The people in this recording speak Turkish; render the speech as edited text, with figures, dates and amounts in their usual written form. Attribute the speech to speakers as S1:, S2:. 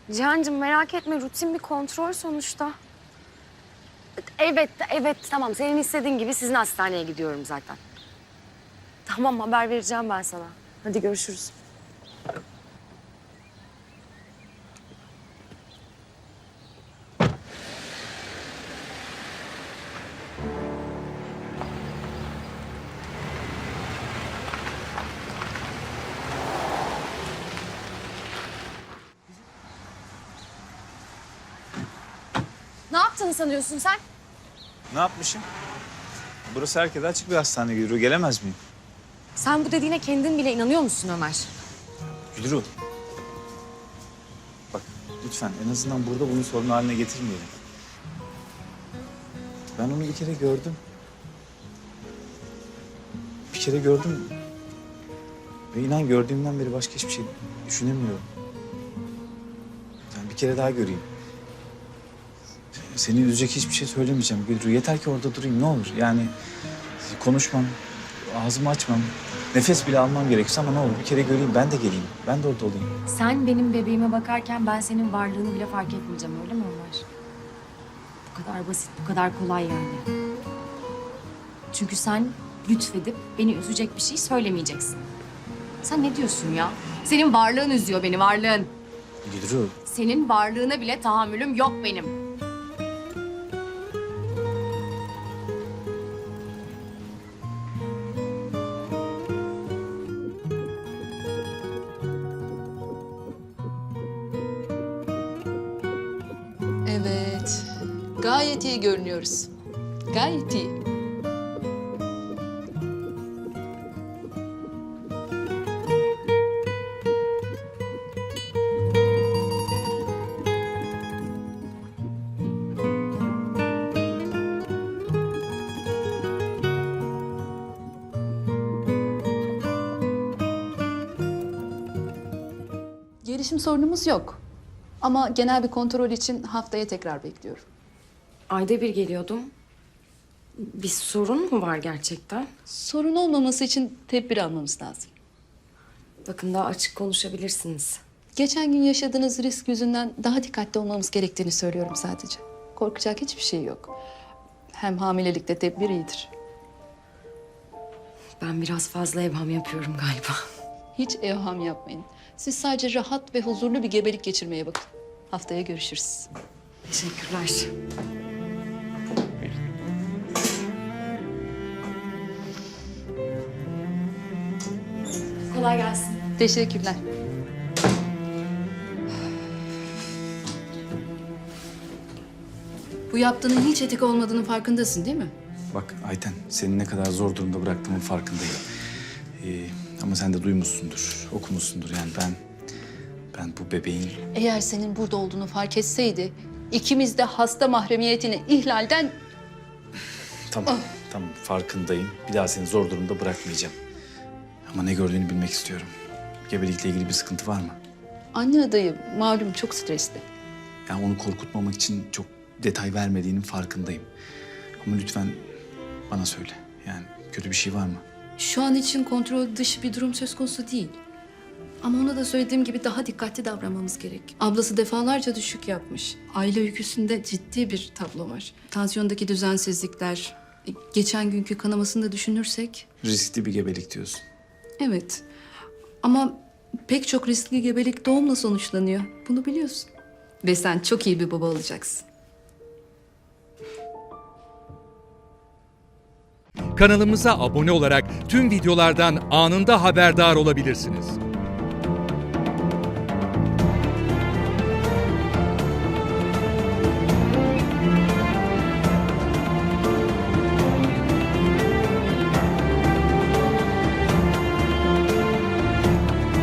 S1: Cihancığım merak etme, rutin bir kontrol sonuçta. Evet, tamam. Senin istediğin gibi sizin hastaneye gidiyorum zaten. Tamam, haber vereceğim ben sana. Hadi görüşürüz. Ne yaptığını sanıyorsun sen?
S2: Ne yapmışım? Burası herkese açık bir hastane Gülru. Gelemez miyim?
S1: Sen bu dediğine kendin bile inanıyor musun Ömer?
S2: Gülru. Bak lütfen en azından burada bunu sorun haline getirmeyelim. Ben onu bir kere gördüm. Bir kere gördüm. Ve inan gördüğümden beri başka hiçbir şey düşünemiyorum. Yani bir kere daha göreyim. Seni üzecek hiçbir şey söylemeyeceğim Gülru. Yeter ki orada durayım ne olur. Yani konuşmam, ağzımı açmam, nefes bile almam gerekirse ama ne olur bir kere göreyim. Ben de geleyim. Ben de orada olayım.
S1: Sen benim bebeğime bakarken ben senin varlığını bile fark etmeyeceğim, öyle mi Ömer? Bu kadar basit, bu kadar kolay yani. Çünkü sen lütfedip beni üzecek bir şey söylemeyeceksin. Sen ne diyorsun ya? Senin varlığın üzüyor beni, varlığın.
S2: Gülru.
S1: Senin varlığına bile tahammülüm yok benim.
S3: Evet, gayet iyi görünüyoruz. Gayet iyi. Gelişim sorunumuz yok. Ama genel bir kontrol için haftaya tekrar bekliyorum.
S1: Ayda bir geliyordum. Bir sorun mu var gerçekten?
S3: Sorun olmaması için tedbir almamız lazım.
S1: Bakın daha açık konuşabilirsiniz.
S3: Geçen gün yaşadığınız risk yüzünden daha dikkatli olmamız gerektiğini söylüyorum sadece. Korkacak hiçbir şey yok. Hem hamilelikte tedbir iyidir.
S1: Ben biraz fazla evham yapıyorum galiba.
S3: Hiç evham yapmayın. Siz sadece rahat ve huzurlu bir gebelik geçirmeye bakın. Haftaya görüşürüz.
S1: Teşekkürler. Kolay gelsin.
S3: Teşekkürler. Bu yaptığının hiç etik olmadığının farkındasın değil mi?
S2: Bak Ayten, seni ne kadar zor durumda bıraktığımın farkındayım. Ama sen de duymuşsundur, okumuşsundur. Yani ben bu bebeğin...
S3: Eğer senin burada olduğunu fark etseydi, ikimiz de hasta mahremiyetini ihlalden...
S2: Tamam farkındayım. Bir daha seni zor durumda bırakmayacağım. Ama ne gördüğünü bilmek istiyorum. Gebelikle ilgili bir sıkıntı var mı?
S3: Anne adayı malum çok stresli.
S2: Yani onu korkutmamak için çok detay vermediğinin farkındayım. Ama lütfen bana söyle. Yani kötü bir şey var mı?
S3: Şu an için kontrol dışı bir durum söz konusu değil. Ama ona da söylediğim gibi daha dikkatli davranmamız gerek. Ablası defalarca düşük yapmış. Aile öyküsünde ciddi bir tablo var. Tansiyondaki düzensizlikler, geçen günkü kanamasını da düşünürsek...
S2: Riskli bir gebelik diyorsun.
S3: Evet. Ama pek çok riskli gebelik doğumla sonuçlanıyor. Bunu biliyorsun. Ve sen çok iyi bir baba olacaksın.
S4: Kanalımıza abone olarak tüm videolardan anında haberdar olabilirsiniz.